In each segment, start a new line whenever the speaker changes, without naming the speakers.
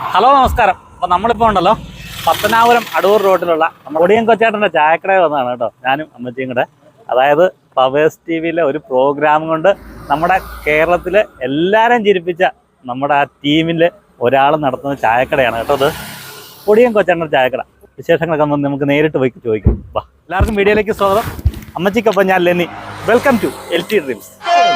Hello നമസ്കാരം. അപ്പോൾ നമ്മളിപ്പോൾ ഉണ്ടല്ലോ പത്തനാപുരം അടൂർ റോഡിലുള്ള ഒടിയൻ കൊച്ചേട്ടൻ്റെ ചായക്കടയിൽ വന്നതാണ് കേട്ടോ, ഞാനും അമ്മച്ചിയും കൂടെ. അതായത് പവേഴ്സ് TV-യിലെ ഒരു പ്രോഗ്രാം കൊണ്ട് നമ്മുടെ കേരളത്തിൽ എല്ലാവരും ചിരിപ്പിച്ച നമ്മുടെ ആ ടീമിൽ ഒരാൾ നടത്തുന്ന ചായക്കടയാണ് കേട്ടോ. അത് ഒടിയൻ കൊച്ചേട്ടൻ്റെ ചായക്കട. വിശേഷങ്ങളൊക്കെ നമുക്ക് നേരിട്ട് പോയി ചോദിക്കും. വാ, എല്ലാവർക്കും വീഡിയോയിലേക്ക് സ്വാഗതം. അമ്മച്ചിക്കൊപ്പം ഞാൻ Lenny. Welcome to LT dreams.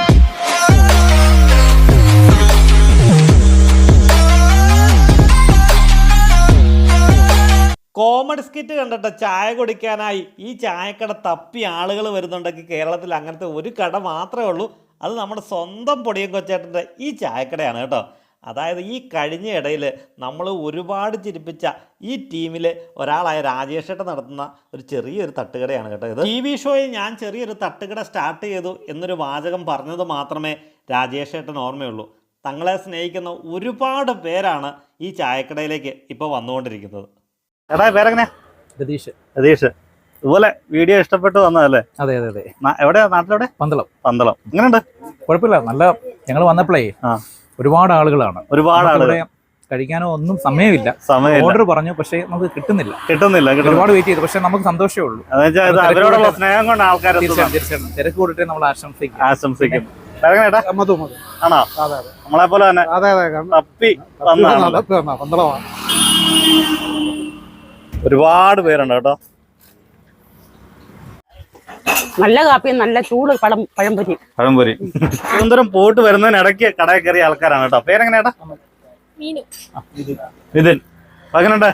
Comedy skit കണ്ടിട്ട് ചായ കുടിക്കാനായി ഈ ചായക്കട തപ്പി ആളുകൾ വരുന്നുണ്ടെങ്കിൽ കേരളത്തിൽ അങ്ങനത്തെ ഒരു കട മാത്രമേ ഉള്ളൂ. അത് നമ്മുടെ സ്വന്തം പൊടിയൻ കൊച്ചേട്ടൻ്റെ ഈ ചായക്കടയാണ് കേട്ടോ. അതായത് ഈ കഴിഞ്ഞ ഇടയിൽ നമ്മൾ ഒരുപാട് ചിരിപ്പിച്ച ഈ ടീമിൽ ഒരാളായ രാജേഷേട്ടൻ നടത്തുന്ന ഒരു ചെറിയൊരു തട്ടുകടയാണ് കേട്ടോ ഇത്. TV ഷോയിൽ ഞാൻ ചെറിയൊരു തട്ടുകട സ്റ്റാർട്ട് ചെയ്തു എന്നൊരു വാചകം പറഞ്ഞത് മാത്രമേ രാജേഷേട്ടൻ ഓർമ്മയുള്ളൂ. തങ്ങളെ സ്നേഹിക്കുന്ന ഒരുപാട് പേരാണ് ഈ ചായക്കടയിലേക്ക് ഇപ്പോൾ വന്നുകൊണ്ടിരിക്കുന്നത്. എടാ, പേരെങ്ങനെയാ? രതീഷ്. ഇതുപോലെ വീഡിയോ ഇഷ്ടപ്പെട്ട് വന്നതല്ലേ?
അതെ അതെ അതെ.
എവിടെയാ? നാട്ടിലെവിടെ? പന്തളം. എങ്ങനെയുണ്ട്?
കുഴപ്പമില്ല, നല്ല. ഞങ്ങൾ വന്നപ്പോഴേ ഒരുപാട് ആളുകളാണ്. കഴിക്കാനോ ഒന്നും സമയമില്ല. ഓർഡർ പറഞ്ഞു, പക്ഷേ നമുക്ക് കിട്ടുന്നില്ല. ഒരുപാട് വെയിറ്റ് ചെയ്തു, പക്ഷെ നമുക്ക് സന്തോഷമേ ഉള്ളൂ.
സ്നേഹം കൊണ്ട് ആൾക്കാർ
തീർച്ചയായിട്ടും തിരക്ക് കൂടിയിട്ട് നമ്മൾ ആശംസിക്കും.
ആണോ? നമ്മളെ പോലെ തന്നെ തപ്പി ഒരുപാട് പേരുണ്ട് കേട്ടോ.
നല്ല കാപ്പിയും നല്ല ചൂട് പഴംപൊരി.
തിരുവനന്തപുരം പോയിട്ട് വരുന്നതിനിടയ്ക്ക് കടയിൽ കയറിയ ആൾക്കാരാണ് കേട്ടോ. പേരെങ്ങനെയാ? നിതിൻ. എങ്ങനെയുണ്ട്?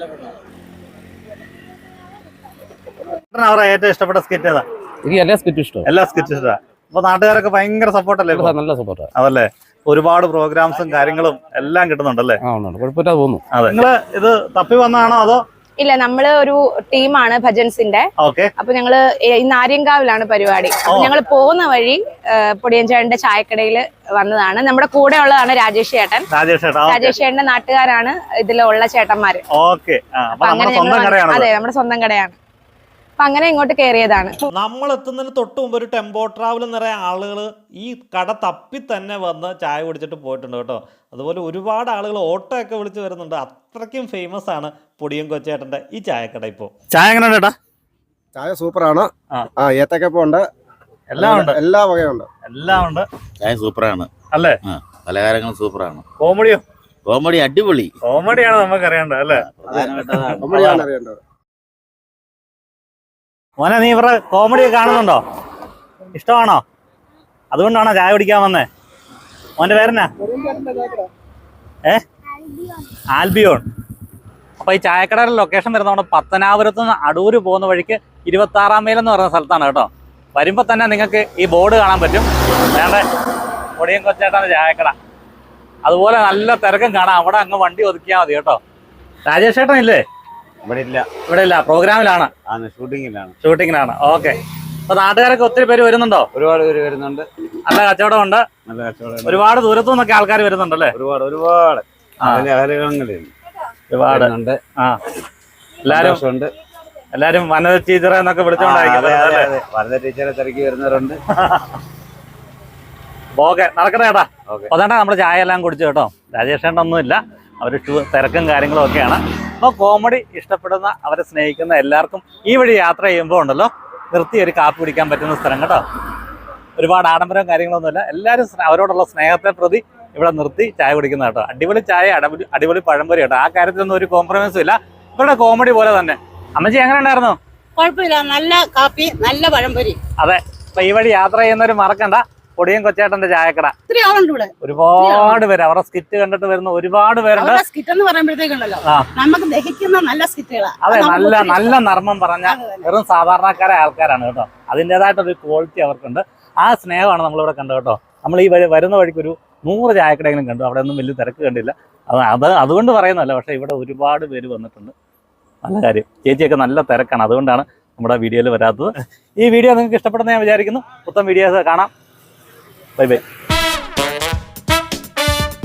അവരെ ഏറ്റവും ഇഷ്ടപ്പെട്ട സ്കിറ്റ് ഏതാ?
എനിക്ക് എല്ലാ സ്കിറ്റും ഇഷ്ടം.
എല്ലാ സ്കിറ്റും ഇഷ്ടമാണ്. അപ്പൊ നാട്ടുകാരൊക്കെ ഭയങ്കര സപ്പോർട്ടല്ലേ?
നല്ല സപ്പോർട്ട്.
അതല്ലേ, ഒരുപാട് പ്രോഗ്രാംസും കാര്യങ്ങളും എല്ലാം കിട്ടുന്നുണ്ടല്ലേ?
കുഴപ്പമില്ലാതെ പോകുന്നു.
അതെ. നിങ്ങള് ഇത് തപ്പി വന്നാണോ അതോ?
ഇല്ല, നമ്മള് ഒരു ടീമാണ് ഭജൻസിന്റെ. അപ്പൊ ഞങ്ങള് ഇന്ന് ആര്യങ്കാവിലാണ് പരിപാടി. അപ്പൊ ഞങ്ങൾ പോകുന്ന വഴി പൊടിയൻചേട്ടന്റെ ചായക്കടയിൽ വന്നതാണ്. നമ്മുടെ കൂടെ ഉള്ളതാണ് രാജേഷ് ചേട്ടന്റെ നാട്ടുകാരാണ് ഇതിലുള്ള ചേട്ടന്മാര്. അതെ, നമ്മുടെ സ്വന്തം കടയാണ്. അപ്പൊ അങ്ങനെ ഇങ്ങോട്ട് കയറിയതാണ്.
നമ്മൾ എത്തുന്നതിന് തൊട്ട് മുമ്പ് ഒരു ടെമ്പോ ട്രാവൽ നിറയെ ആളുകൾ ഈ കട തപ്പി തന്നെ വന്ന് ചായ കുടിച്ചിട്ട് പോയിട്ടുണ്ട് കേട്ടോ. അതുപോലെ ഒരുപാട് ആളുകൾ ഓട്ടോ ഒക്കെ വിളിച്ച് വരുന്നുണ്ട്. അത്രയ്ക്കും ഫേമസ് ആണ് പൊടിയൻ കൊച്ചേട്ടന്റെ ഈ ചായക്കട. ഇപ്പോൾ ചായ എങ്ങനെയാണ് ചേട്ടാ?
ചായ സൂപ്പറാണ്. ഏത്തക്കപ്പുണ്ട്, എല്ലാം ഉണ്ട്, എല്ലാ വകയുണ്ട്.
ചായ സൂപ്പറാണ് അല്ലേ?
പലഹാരങ്ങളും സൂപ്പറാണ്.
കോമഡി അടിപൊളി. കോമഡിയാണ് നമുക്ക് അറിയേണ്ടത് അല്ലേ?
കോമഡിയാണ് അറിയേണ്ടത്.
മോനെ, നീ ഇവരുടെ കോമഡി കാണുന്നുണ്ടോ? ഇഷ്ടമാണോ? അതുകൊണ്ടാണോ ചായ കുടിക്കാൻ വന്നേ? മോന്റെ പേരെന്നാ? ആൽബിയോൺ. അപ്പൊ ഈ ചായക്കടയുടെ ലൊക്കേഷൻ വരുന്ന നമ്മുടെ പത്തനാപുരത്ത് നിന്ന് അടൂര് പോകുന്ന വഴിക്ക് 26 മൈൽ എന്ന് പറയുന്ന സ്ഥലത്താണ് കേട്ടോ. വരുമ്പോ തന്നെ നിങ്ങൾക്ക് ഈ ബോർഡ് കാണാൻ പറ്റും. വേണ്ട പൊടിയൻ കൊച്ചേട്ടൻ്റെ ചായക്കട. അതുപോലെ നല്ല തിരക്കും കാണാം. അവിടെ അങ്ങ് വണ്ടി ഒതുക്കിയാൽ മതി കേട്ടോ. രാജേഷ് ചേട്ടൻ ഇല്ലേ? ഇവിടെ ഇല്ല, പ്രോഗ്രാമിലാണ്, ഷൂട്ടിങ്ങിലാണ്. ഓക്കെ. അപ്പൊ നാട്ടുകാരൊക്കെ ഒത്തിരി പേര് വരുന്നുണ്ടോ?
ഒരുപാട് പേര് വരുന്നുണ്ട്.
നല്ല കച്ചവടം ഉണ്ട്. ഒരുപാട് ദൂരത്തു നിന്നൊക്കെ ആൾക്കാർ വരുന്നുണ്ടല്ലേ?
ഒരുപാട്
എല്ലാരും വനജ ടീച്ചറെ എന്നൊക്കെ വിളിച്ചോണ്ടായിരിക്കും.
വനജ ടീച്ചറെ തിരക്കി വരുന്നവരുണ്ട്.
ഓക്കെ, നടക്കട്ടെ ചേട്ടാ. അതാണ്ടാ നമ്മുടെ ചായ എല്ലാം കുടിച്ചു കേട്ടോ. രാജേഷേട്ടൊന്നും ഇല്ല, അവർ തിരക്കും കാര്യങ്ങളും ഒക്കെയാണ്. അപ്പോൾ കോമഡി ഇഷ്ടപ്പെടുന്ന, അവരെ സ്നേഹിക്കുന്ന എല്ലാവർക്കും ഈ വഴി യാത്ര ചെയ്യുമ്പോൾ ഉണ്ടല്ലോ നിർത്തി ഒരു കാപ്പി കുടിക്കാൻ പറ്റുന്ന സ്ഥലം കേട്ടോ. ഒരുപാട് ആഡംബരവും കാര്യങ്ങളൊന്നുമില്ല. എല്ലാവരും അവരോടുള്ള സ്നേഹത്തെ പ്രതി ഇവിടെ നിർത്തി ചായ കുടിക്കുന്ന കേട്ടോ. അടിപൊളി ചായ, അടിപൊളി പഴംപൊരി കേട്ടോ. ആ കാര്യത്തിലൊന്നും ഒരു കോംപ്രമൈസും ഇല്ല. ഇവരുടെ കോമഡി പോലെ തന്നെ. അമ്മച്ചി എങ്ങനെ ഉണ്ടായിരുന്നു?
കുഴപ്പമില്ല, നല്ല കാപ്പി, നല്ല പഴംപൊരി.
അതെ. അപ്പൊ ഈ വഴി യാത്ര ചെയ്യുന്നവർ മറക്കണ്ട പൊടിയൻ കൊച്ചേട്ടന്റെ ചായക്കട. ഒരുപാട് പേര് അവരുടെ സ്കിറ്റ് കണ്ടിട്ട് വരുന്ന ഒരുപാട് പേരുണ്ട്.
നമുക്ക് ദഹിക്കുന്ന നല്ല സ്കിറ്റുകളാണ്.
അതെ, നല്ല നർമ്മം പറഞ്ഞ വെറും സാധാരണക്കാരായ ആൾക്കാരാണ് കേട്ടോ. അതിൻ്റെതായിട്ടൊരു ക്വാളിറ്റി അവർക്കുണ്ട്. ആ സ്നേഹമാണ് നമ്മളിവിടെ കണ്ടത് കേട്ടോ. നമ്മൾ ഈ വരുന്ന വഴിക്ക് ഒരു 100 ചായക്കടയെങ്കിലും കണ്ടു. അവിടെ ഒന്നും വലിയ തിരക്ക് കണ്ടില്ല. അതുകൊണ്ട് പറയുന്നതല്ല, പക്ഷേ ഇവിടെ ഒരുപാട് പേര് വന്നിട്ടുണ്ട്. നല്ല കാര്യം. ചേച്ചിയൊക്കെ നല്ല തിരക്കാണ്, അതുകൊണ്ടാണ് നമ്മുടെ വീഡിയോയിൽ വരാത്തത്. ഈ വീഡിയോ നിങ്ങൾക്ക് ഇഷ്ടപ്പെടുന്ന ഞാൻ വിചാരിക്കുന്നു. മൊത്തം വീഡിയോസ് കാണാം. Bye by.